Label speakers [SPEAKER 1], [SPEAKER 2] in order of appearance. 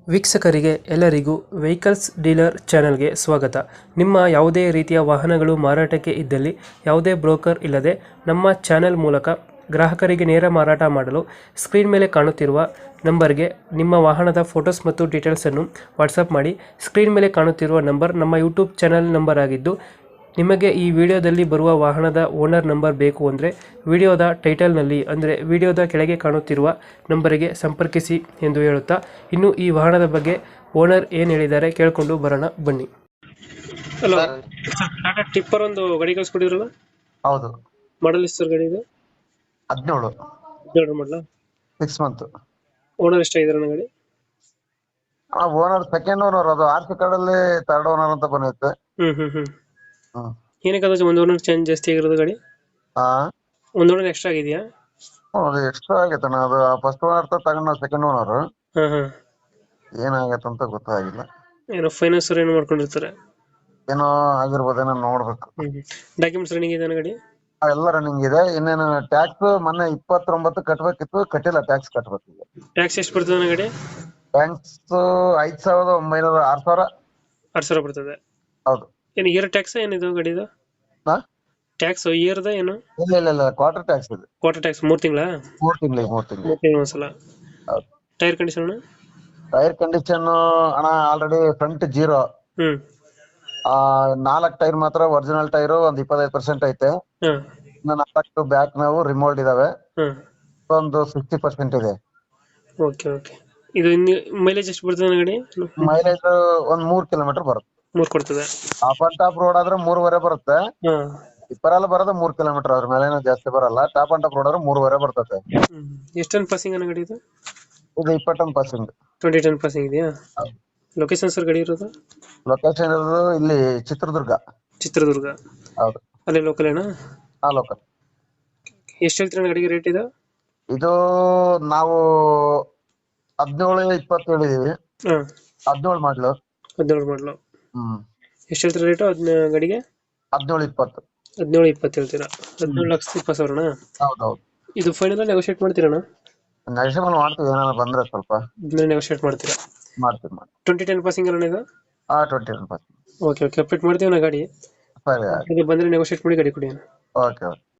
[SPEAKER 1] ವೀಕ್ಷಕರಿಗೆ ಎಲ್ಲರಿಗೂ vehicles dealer ಚಾನೆಲ್ಗೆ ಸ್ವಾಗತ. ನಿಮ್ಮ ಯಾವುದೇ ರೀತಿಯ ವಾಹನಗಳು ಮಾರಾಟಕ್ಕೆ ಇದ್ದಲ್ಲಿ ಯಾವುದೇ ಬ್ರೋಕರ್ ಇಲ್ಲದೆ ನಮ್ಮ ಚಾನೆಲ್ ಮೂಲಕ ಗ್ರಾಹಕರಿಗೆ ನೇರ ಮಾರಾಟ ಮಾಡಲು ಸ್ಕ್ರೀನ್ ಮೇಲೆ ಕಾಣುತ್ತಿರುವ ನಂಬರ್ಗೆ ನಿಮ್ಮ ವಾಹನದ ಫೋಟೋಸ್ ಮತ್ತು ಡೀಟೇಲ್ಸನ್ನು ವಾಟ್ಸಪ್ ಮಾಡಿ. ಸ್ಕ್ರೀನ್ ಮೇಲೆ ಕಾಣುತ್ತಿರುವ ನಂಬರ್ ನಮ್ಮ ಯೂಟ್ಯೂಬ್ ಚಾನೆಲ್ ನಂಬರ್ ಆಗಿದ್ದು, ನಿಮಗೆ ಈ ವಿಡಿಯೋದಲ್ಲಿ ಬರುವ ವಾಹನದ ಓನರ್ ನಂಬರ್ ಬೇಕು ಅಂದರೆ ವಿಡಿಯೋದ ಟೈಟಲ್ನಲ್ಲಿ ಅಂದರೆ ವಿಡಿಯೋದ ಕೆಳಗೆ ಕಾಣುತ್ತಿರುವ ನಂಬರಿಗೆ ಸಂಪರ್ಕಿಸಿ ಎಂದು ಹೇಳುತ್ತಾ, ಇನ್ನು ಈ ವಾಹನದ ಬಗ್ಗೆ ಓನರ್ ಏನು ಹೇಳಿದ್ದಾರೆ ಕೇಳಿಕೊಂಡು ಬರೋಣ ಬನ್ನಿ. ಹಲೋ, ಟಾಟಾ ಟಿಪ್ಪರ್ ಒಂದು ಗಾಡಿ ಕಳಿಸ್ಕೊಟ್ಟಿದ್ರಲ್ಲ,
[SPEAKER 2] ಹೌದು.
[SPEAKER 1] ಮಾಡಲ್ ಎಷ್ಟು ಸರ್ ಗಾಡಿ ಇದು?
[SPEAKER 2] 17
[SPEAKER 1] 17 ಮಾಡಲ.
[SPEAKER 2] 6 ಮಂತ್.
[SPEAKER 1] ಓನರ್ ಎಷ್ಟಾಗಿದ್ದಾರೆ ಗಾಡಿ?
[SPEAKER 2] Owner second owner. ಅದು ಆರ್ ಸಿ ಕಾರ್ಡ್ ಅಲ್ಲಿ ಥರ್ಡ್ ಓನರ್ ಅಂತ ಬಂದೈತೆ. ಹ್ಮ್.
[SPEAKER 1] ಏನಕ್ಕೆ ಅದು ಒಂದು ಓನರ್ ಚೇಂಜ್ ಜಾಸ್ತಿ ಆಗಿರೋದು ಗಾಡಿ?
[SPEAKER 2] ಹಾ,
[SPEAKER 1] ಒಂದು ಓನರ್ ಎಕ್ಸ್ಟ್ರಾ ಆಗಿದೆಯಾ?
[SPEAKER 2] ಅದು ಎಕ್ಸ್ಟ್ರಾ ಆಗೈತಣ್ಣ. ಅದು ಫಸ್ಟ್ ಓನರ್ ತಗೊಂಡ ಸೆಕೆಂಡ್ ಓನರ್
[SPEAKER 1] ಹಾಂ.
[SPEAKER 2] ಏನಾಗೈತಂತ ಗೊತ್ತಾಗಿಲ್ಲ.
[SPEAKER 1] ಏನೋ ಫೈನಾನ್ಸ್ ಏನು ಮಾಡ್ಕೊಂಡಿರ್ತಾರೆ?
[SPEAKER 2] ಏನೋ ಆಗಿರ್ಬೋದೇನೋ ನೋಡ್ಬೇಕು.
[SPEAKER 1] ಡಾಕ್ಯುಮೆಂಟ್ಸ್ ರನ್ನಿಂಗ್ ಇದೆ ಗಾಡಿ?
[SPEAKER 2] ಎಲ್ಲ ರನ್ನಿಂಗ್ ಇದೆ. ಇನ್ನೇನು ಟ್ಯಾಕ್ಸ್ ಮೊನ್ನೆ 29 ಕಟ್ಬೇಕಿತ್ತು, ಕಟ್ಟಿಲ್ಲ. ಟ್ಯಾಕ್ಸ್ ಕಟ್ಬೇಕಿದೆ.
[SPEAKER 1] ಟ್ಯಾಕ್ಸ್ ಎಷ್ಟು ಬರ್ತದೆ ಗಾಡಿ?
[SPEAKER 2] ಟ್ಯಾಕ್ಸ್ 5,900 6,000.
[SPEAKER 1] 6,000 ಬರ್ತದೆ.
[SPEAKER 2] ಹೌದು.
[SPEAKER 1] ಏನು ಇಯರ್ ಟ್ಯಾಕ್ಸ್ ಏನಿದು ಗಾಡಿದು?
[SPEAKER 2] ಹಾ,
[SPEAKER 1] ಟ್ಯಾಕ್ಸ್ ಇಯರ್ದ ಏನು?
[SPEAKER 2] ಇಲ್ಲ ಕ್ವಾರ್ಟರ್ ಟ್ಯಾಕ್ಸ್ ಇದೆ.
[SPEAKER 1] ಕ್ವಾರ್ಟರ್ ಟ್ಯಾಕ್ಸ್ 3 ತಿಂಗಳ?
[SPEAKER 2] 3 ತಿಂಗಳು.
[SPEAKER 1] 3 ತಿಂಗಳು ಒಂದ್ಸಲ.
[SPEAKER 2] ಹೌದು.
[SPEAKER 1] Tyre condition?
[SPEAKER 2] ಟೈರ್ ಕಂಡೀಷನ್ ಅಣ್ಣ ಆಲ್ರೆಡಿ ಫ್ರಂಟ್ 0.
[SPEAKER 1] ಹ್ಮ್.
[SPEAKER 2] 4 ಟೈರ್ ಮಾತ್ರ ಒರಿಜಿನಲ್ ಟೈರ್ ಒಂದು 25% ಐತೆ.
[SPEAKER 1] ಹಾಂ.
[SPEAKER 2] ಇನ್ನು 4 ಬ್ಯಾಕ್ ನಾವು ರಿಮೋಲ್ಡ್ ಇದಾವೆ.
[SPEAKER 1] ಹಾಂ.
[SPEAKER 2] ಒಂದು 60% ಇದೆ.
[SPEAKER 1] ಓಕೆ. ಇದು ಇನ್ನು ಮೈಲೇಜ್ ಎಷ್ಟು ಬರ್ತದೆ ಗಾಡಿ?
[SPEAKER 2] ಮೈಲೇಜ್ ಒಂದ್ 3 ಕಿಲೋಮೀಟರ್ ಬರುತ್ತೆ.
[SPEAKER 1] 3 ಕೊಡ್ತದೆ.
[SPEAKER 2] ಆಫ್ ಅಂಡ್ ಟಾಪ್ ರೋಡ್ ಆದ್ರೆ 3.5 ಬರುತ್ತೆ.
[SPEAKER 1] ಹಾಂ.
[SPEAKER 2] ಇಪ್ಪರೆಲ್ಲ ಬರೋದು 3 ಕಿಲೋಮೀಟರ್. ಅದ್ರ ಮೇಲೆ ಜಾಸ್ತಿ ಬರಲ್ಲ. ಟಾಪ್ ಅಂಡ್ ಟಾಪ್ ರೋಡ್ ಆದ್ರೆ 3.5 ಬರ್ತದೆ.
[SPEAKER 1] ಎಷ್ಟು ಟನ್ ಪಾಸಿಂಗ್ ಅನ್ನೋ ಗಾಡಿ ಇದು?
[SPEAKER 2] ಇದು 20 ಟನ್ ಪಾಸಿಂಗ್.
[SPEAKER 1] 20 ಟನ್ ಪಾಸಿಂಗ್ ಇದೆಯಾ? ಲೊಕೇಶನ್ ಸರ್ ಗಾಡಿ ಇರೋದು?
[SPEAKER 2] ಲೊಕೇಶನ್ ಇರೋದು ಇಲ್ಲಿ ಚಿತ್ರದುರ್ಗ.
[SPEAKER 1] ಚಿತ್ರದುರ್ಗ.
[SPEAKER 2] ಹೌದು.
[SPEAKER 1] ಅಲ್ಲಿ ಲೋಕಲ್ ಏನಾ?
[SPEAKER 2] ಲೋಕಲ್.
[SPEAKER 1] ಎಷ್ಟು ಹೇಳ್ತೀರ ಗಾಡಿಗೆ ರೇಟ್ ಇದು?
[SPEAKER 2] ಇದು ನಾವು 17-20 ಹೇಳಿದೀವಿ.
[SPEAKER 1] ಹಾಂ.
[SPEAKER 2] 17 ಮಾಡ್ಲು.
[SPEAKER 1] 17 ಮಾಡಲು. ಎಷ್ಟು ಹೇಳ್ತೀರ ರೇಟು ಅದನ್ನ ಗಾಡಿಗೆ?
[SPEAKER 2] 17-20.
[SPEAKER 1] 17-20 ಹೇಳ್ತೀರಾ? 17,20,000.
[SPEAKER 2] ಹೌದೌದು.
[SPEAKER 1] ಇದು ಫೈನಲ್ ನೆಗೋಶಿಯೇಟ್ ಮಾಡ್ತೀರಣ್ಣ?
[SPEAKER 2] ನೆಗೋಷಿಯೇಬಲ್ ಮಾಡ್ತೀವಿ. ಏನಾದ್ರು ಬಂದ್ರೆ ಸ್ವಲ್ಪ
[SPEAKER 1] ನೆಗೋಶಿಯೇಟ್ ಮಾಡ್ತೀರಾ?
[SPEAKER 2] ಮಾಡ್ತೀವಿ.
[SPEAKER 1] 20 ಟನ್ ಪಾಸಿಂಗ್ ಅಲ್ಲ ಇದು?
[SPEAKER 2] 20 ಟನ್ ಪಾಸಿಂಗ್.
[SPEAKER 1] ಓಕೆ. ಅಪ್ಡೇಟ್ ಮಾಡ್ತೀವಿ ನಾ ಗಾಡಿ.
[SPEAKER 2] ಸರಿ.
[SPEAKER 1] ಬಂದರೆ ನೆಗೋಶಿಯೇಟ್ ಮಾಡಿ ಗಾಡಿ ಕೊಡಿ.
[SPEAKER 2] ಓಕೆ.